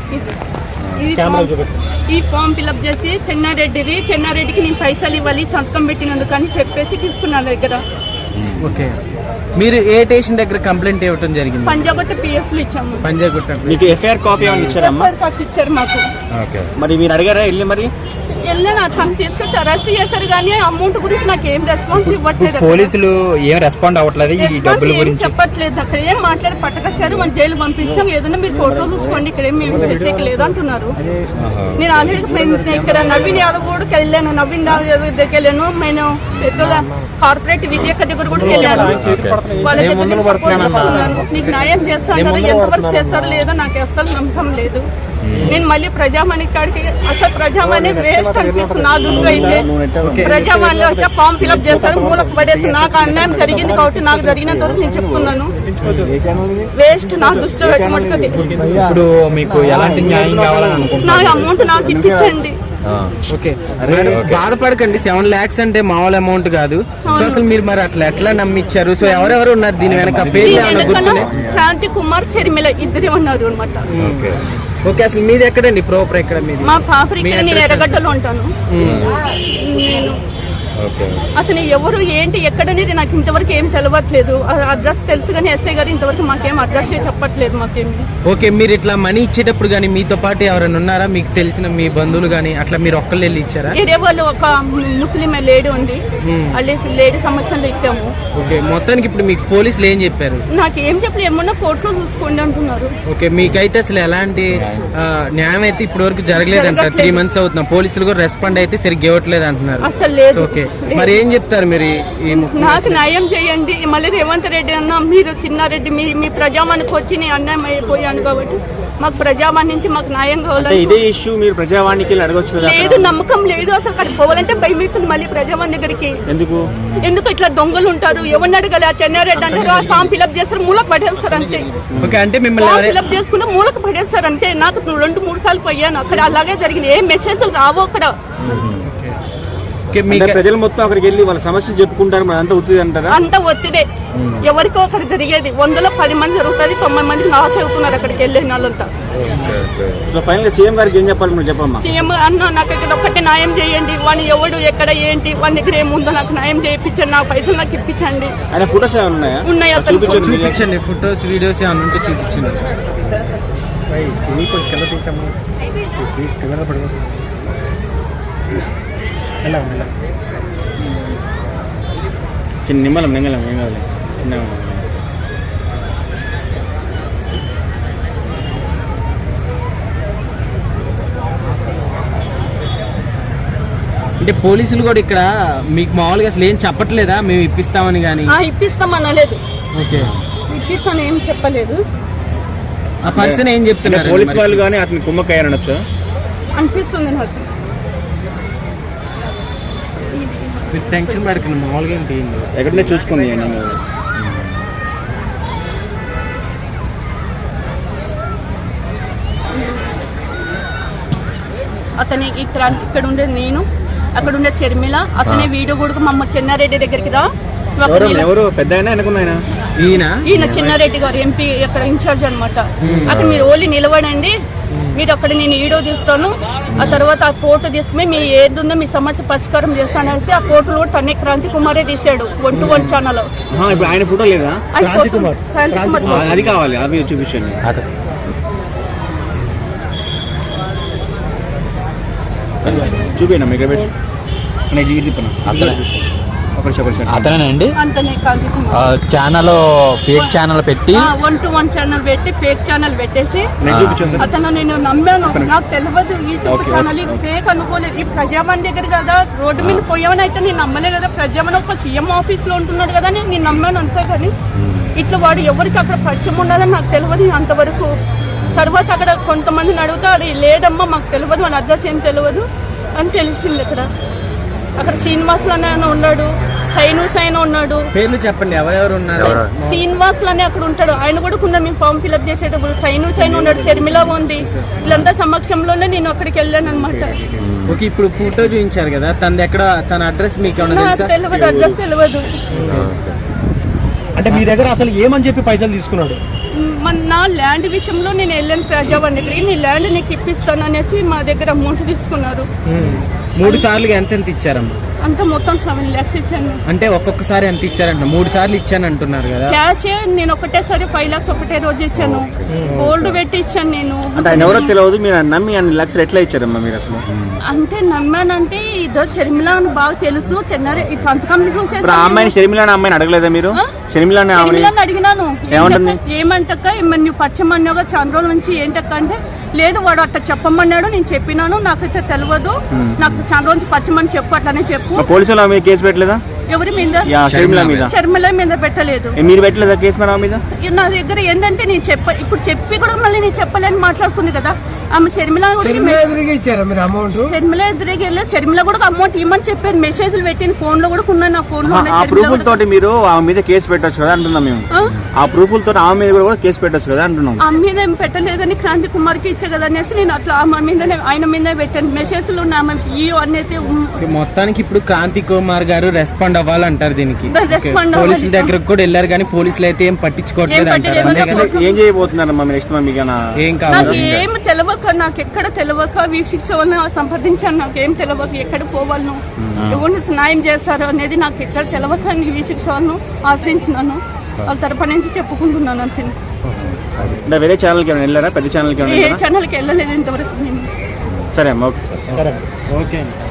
ఈ form fill up చేసి చెన్నారెడ్డికి నేను పైసలు ఇవ్వాలి సంతకం పెట్టినందుకు అని చెప్పేసి తీసుకున్నాను దగ్గర. ఓకే, మీరు ఏ స్టేషన్ దగ్గర కంప్లైంట్ ఇవ్వడం జరిగింది? పంజాగుట్ట పిఎస్ లో ఇచ్చాము. పంజాగుట్ట మీకు ఎఫ్ఐఆర్ కాపీ ఏమైనా ఇచ్చారమ్మా? ఎఫ్ఐఆర్ కాపీ ఇచ్చారు మాకు. మరి మీరు అడిగారా వెళ్ళి? మరి వెళ్ళాను, తను తీసుకొచ్చి అరెస్ట్ చేశారు కానీ అమౌంట్ గురించి నాకు ఏం రెస్పాన్స్ ఇవ్వట్లేదు. పోలీసులు ఏం రెస్పాండ్ అవ్వట్లేదు, ఈ డబ్బుల గురించి చెప్పట్లేదు. అక్కడ ఏం మాట్లాడి పట్టుకొచ్చారు, మన జైలు పంపించాం, ఏదన్నా మీరు ఫోటో చూసుకోండి, ఇక్కడ ఏం మేము చేసేకి లేదు అంటున్నారు. నేను ఆల్రెడీ ఇక్కడ నవీన్ యాదవ్ కూడా వెళ్ళాను, నవీన్ యాదవ్ దగ్గరికి వెళ్ళాను, నేను పెద్దల కార్పొరేట్ విజయక్క దగ్గర కూడా వెళ్ళాను. వాళ్ళ దగ్గర నీకు న్యాయం చేస్తాను, ఎంతవరకు చేస్తారో లేదో నాకు అస్సలు నమ్మకం లేదు. నేను మళ్ళీ ప్రజామణి కాడికి, అసలు ప్రజామణి వేస్ట్ అనిపిస్తుంది నా దృష్టిలో. అయితే ప్రజామణిలో అయితే ఫామ్ ఫిల్అప్ చేస్తారు, మూలకు పడేసి నాకు అన్యాయం జరిగింది కాబట్టి నాకు జరిగినంత వరకు నేను చెప్తున్నాను, వేస్ట్ నా దృష్టిలో పెట్టుకుంటుంది. ఇప్పుడు మీకు ఎలాంటి న్యాయం కావాలని అనుకుంటున్నారు? నా అమౌంట్ నాకు ఇప్పించండి. ఓకే, బాధపడకండి. 7 lakhs అంటే మామూలు అమౌంట్ కాదు. సో అసలు మీరు మరి అట్లా ఎట్లా నమ్మిచ్చారు? సో ఎవరెవరు ఉన్నారు దీని వెనక? క్రాంతి కుమార్ శర్మిల ఇద్దరే ఉన్నారు అనమాట. ఓకే, అసలు మీది ఎక్కడండి? ప్రాపర్ ఎక్కడ మీది? మా పాప ఇక్కడ, నేను ఎర్రగడ్డలో ఉంటాను. నేను అతను ఎవరు ఏంటి ఎక్కడనేది నాకు ఇంతవరకు ఏం తెలియట్లేదు. అడ్రస్ తెలుసు కానీ ఎస్ఐ గారు ఇంతవరకు మాకేం అడ్రస్ చెప్పట్లేదు మాకేమి. ఓకే, మీరు ఇట్లా మనీ ఇచ్చేటప్పుడు కానీ మీతో పాటు ఎవరైనా ఉన్నారా? మీకు తెలిసిన మీ బంధువులు కానీ అట్లా మీరు ఒక్కళ్ళు వెళ్ళి ఇచ్చారా? వేరే వాళ్ళు ఒక ముస్లిం లేడీ ఉంది, లేడీ సమక్షంలో ఇచ్చాము. ఓకే, మొత్తానికి ఇప్పుడు మీకు పోలీసులు ఏం చెప్పారు? నాకు ఏం చెప్పలేదు, ఏమన్నా కోర్టులో చూసుకోండి అంటున్నారు. ఓకే, మీకైతే అసలు ఎలాంటి న్యాయం అయితే ఇప్పటి వరకు జరగలేదు అంటారు. 3 months అవుతున్నా, పోలీసులు కూడా రెస్పాండ్ అయితే సరిగ్గా ఇవ్వట్లేదు అంటున్నారు. అసలు లేదు. ఓకే, మరి ఏం చెప్తారు మీరు? నాకు న్యాయం చేయండి. మళ్ళీ రేవంత్ రెడ్డి అన్న, మీరు చిన్నారెడ్డి మీ ప్రజావానికి వచ్చి నేను అన్యాయం అయిపోయాను కాబట్టి మాకు ప్రజావాణి నుంచి మాకు న్యాయం కావాలి. ఇదే ఇష్యూ మీరు ప్రజావాణికి అడగొచ్చు కదా? లేదు, నమ్మకం లేదు అసలు. అక్కడ పోవాలంటే భయమవుతుంది మళ్ళీ ప్రజావాణి దగ్గరికి. ఎందుకు ఇట్లా దొంగలు ఉంటారు? ఎవరిని అడగాలి? ఆ చెన్నారెడ్డి అంటారు, ఆ ఫామ్ ఫిల్అప్ చేస్తారు, మూలకు పడేస్తారు అంతే. ఓకే, అంటే మిమ్మల్ని ఫిల్అప్ చేసుకుంటే మూలకు పడేస్తారు అంతే. నాకు 2-3 సార్లు పోయాను అక్కడ, అలాగే జరిగింది. ఏం మెసేజ్లు రావు అక్కడ. ప్రజలు మొత్తం అక్కడికి వెళ్ళి వాళ్ళ సమస్యలు చెప్పుకుంటారు, అంతా ఒత్తిడి అంటారా? అంత ఒత్తిడే. ఎవరికో అక్కడ జరిగేది 100లో 10 మంది జరుగుతుంది, 90 మందికి నాశ అవుతున్నారు అక్కడికి వెళ్ళిన వాళ్ళంతా. ఫైనల్ సీఎం గారికి ఏం చెప్పాలి మీరు? చెప్పమ్మా. సీఎం అన్న, నాకు ఇక్కడ ఒక్కటే న్యాయం చేయండి. వాడిని ఎవడు ఎక్కడ ఏంటి వాడి దగ్గర ఏముందో నాకు న్యాయం చేయించండి, నా పైసలు నాకు ఇప్పించండి. ఆయన ఫోటోస్ ఉన్నాయా? ఉన్నాయి, చూపించండి. ఫోటోస్ వీడియోస్ ఏమైనా ఉంటే చూపించండి. నిమ్మలం ఏం కావాలి? అంటే పోలీసులు కూడా ఇక్కడ మీకు మామూలుగా అసలు ఏం చెప్పట్లేదా? మేము ఇప్పిస్తామని కానీ? ఇప్పిస్తామనలేదు. ఓకే, ఇప్పిస్తాను ఏం చెప్పలేదు. ఆ పర్సన్ ఏం చెప్తున్నారు? పోలీసు వాళ్ళు కానీ అతని కుమ్మక్కయ్యారనొచ్చు అనిపిస్తుంది నాకు. మీరు టెన్షన్ పడకండి, మామూలుగా ఏంటి ఎక్కడనే చూసుకోండి. అతని ఇక్కడ ఉండే నేను, అక్కడ ఉండే షర్మిల, అతని వీడియో కూడా మమ్మ చెన్నారెడ్డి దగ్గరికి రా. ఎవరు పెద్ద ఈయన చెన్నారెడ్డి గారు ఎంపీ అక్కడ ఇన్ఛార్జ్ అనమాట. అక్కడ మీరు ఓన్లీ నిలబడండి, మీరు అక్కడ నేను వీడియో తీస్తాను, ఆ తర్వాత ఆ ఫోటో తీసుకుని మీ ఏదుందో మీ సమస్య పరిష్కారం చేస్తాననేసి ఆ ఫోటోలు కూడా తనే క్రాంతి కుమారే తీసాడు 1-1 ఛానల్. ఆయన ఫోటో లేదా? అది కావాలి, అది చూపించండి. చూపినా మీకు అతనేనండి ఛానల్, ఫేక్ ఛానల్ పెట్టి 1-1 ఛానల్ పెట్టి ఫేక్ ఛానల్ పెట్టేసి అతను నేను నమ్మాను. నాకు తెలియదు యూట్యూబ్ ఛానల్ ఫేక్ అనుకోలేదు. ఈ ప్రజావాణి దగ్గర కదా రోడ్డు మీద పోయామని అయితే నేను నమ్మలే కదా. ప్రజావాణి ఒక సీఎం ఆఫీస్ లో ఉంటున్నాడు కదా అని నేను నమ్మాను అంతే. కానీ ఇట్లా వాడు ఎవరికి అక్కడ పరిచయం ఉండదని నాకు తెలియదు అంతవరకు. తర్వాత అక్కడ కొంతమందిని అడుగుతా, అది లేదమ్మా మాకు తెలియదు, మన అడ్రస్ ఏం తెలియదు అని తెలిసింది. అక్కడ శ్రీనివాసులు అనే ఉన్నాడు, సైను ఉన్నాడు. పేర్లు చెప్పండి, ఎవరెవరు ఉన్నారు? శ్రీనివాసులు అనే అక్కడ ఉంటాడు, ఆయన కూడా ఉన్నాడు. మేము ఫామ్ ఫిల్అప్ చేసేటప్పుడు సైను ఉన్నాడు, షర్మిల ఉంది. వీళ్ళంతా సమక్షంలోనే నేను అక్కడికి వెళ్ళాను అనమాట. ఓకే, ఇప్పుడు ఫోటో చూపించారు కదా, తన అడ్రస్ మీకు తెలియదు, అడ్రస్ తెలియదు. అంటే మీ దగ్గర అసలు ఏమని చెప్పి పైసలు తీసుకున్నాడు? నా ల్యాండ్ విషయంలో నేను వెళ్ళాను ప్రజావాణి దగ్గరికి, నీ ల్యాండ్ నీకు ఇప్పిస్తాను అనేసి మా దగ్గర అమౌంట్ తీసుకున్నారు. 3 సార్లు ఎంత ఇచ్చారమ్మా? అంతా మొత్తం 7 lakhs ఇచ్చాను. అంటే ఒక్కొక్కసారి ఎంత ఇచ్చారంట? 3 సార్లు ఇచ్చాను అంటున్నారు కదా. క్యాష్ నేను ఒకటేసారి 5 lakhs ఒకటే రోజు ఇచ్చాను. గోల్డ్ పెట్టి ఇచ్చాను నేను. అంటే ఆయన ఎవరో తెలియదు, మీరు నమ్మి అన్ని లక్షలు ఎట్లా ఇచ్చారమ్మా మీరు అసలు? అంటే నమ్మానంటే ఇదో షర్మిల అని బాగా తెలుసు. చెన్నై ఈ సంతకం చూసేసి ఇప్పుడు ఆ అమ్మాయిని షర్మిల అనే అమ్మాయిని అడగలేదా మీరు? షర్మిల అనే ఆమెని షర్మిలని అడిగినాను. ఏమంటుంది? ఏమంటక్క నువ్వు పచ్చమన్నాగా చాలా రోజుల నుంచి ఏంటక్క అంటే, లేదు వాడు అట్లా చెప్పమన్నాడు, నేను చెప్పినాను, నాకైతే తెలియదు, నాకు చాలా రోజు పచ్చమని చెప్పు, అట్లానే చెప్పు. పోలీసులు ఆమె కేసు పెట్టలేదా? ఎవరి మీద? షర్మిల మీద. షర్మిల మీద పెట్టలేదు. మీరు పెట్టలేదా కేసు మీద ఆమె మీద? నా దగ్గర ఏంటంటే నేను ఇప్పుడు చెప్పి కూడా మళ్ళీ నేను చెప్పలేని మాట్లాడుతుంది కదా ఆమె. షర్మిల ఇచ్చారా మీరు అమౌంట్? షర్మిల ఎదురుగా వెళ్ళి షర్మిల కూడా అమౌంట్ ఇవ్వమని చెప్పాను. మెసేజ్లు పెట్టిన ఫోన్ లో కూడా ఉన్నాయి, నా ఫోన్ లో ఉన్నాయి. ఆ ప్రూఫ్ల తోటి మీరు ఆమె మీద కేసు పెట్టొచ్చు కదా అంటున్నాం మేము. ఆ ప్రూఫ్ల తోటి ఆమె మీద కూడా కేసు పెట్టొచ్చు కదా అంటున్నాం. ఆమె మీద ఏం పెట్టలేదు కానీ క్రాంతి కుమార్ కి ఇచ్చే కదా అనేసి నేను అట్లా ఆమె మీద ఆయన మీద పెట్టాను. మెసేజ్లు ఉన్నాయి అనేది. మొత్తానికి ఇప్పుడు క్రాంతి కుమార్ గారు రెస్పాండ్ అవ్వాలంటారు దీనికి. రెస్పాండ్ పోలీసుల దగ్గరకు కూడా వెళ్ళారు కానీ పోలీసులు అయితే ఏం పట్టించుకోవట్లేదు అంటారు. ఏం చేయబోతున్నారమ్మా మీరు? నెక్స్ట్ మీకు ఏం నాకు కావాలి? ఏం తెలియక, నాకు ఎక్కడ తెలియక వీక్షించ వాళ్ళని సంప్రదించాను. నాకు ఏం తెలియక ఎక్కడ పోవాలను, ఎవరిని న్యాయం చేస్తారు అనేది నాకు ఎక్కడ తెలియక వీక్షించ వాళ్ళను ఆశ్రయించినాను. వాళ్ళ తరపు నుంచి చెప్పుకుంటున్నాను అంతే. అంటే వేరే ఛానల్కి ఏమైనా వెళ్ళారా? పెద్ద ఛానల్కి ఏ ఛానల్కి వెళ్ళలేదు ఇంతవరకు నేను. సరే అమ్మా, ఓకే. సరే ఓకే.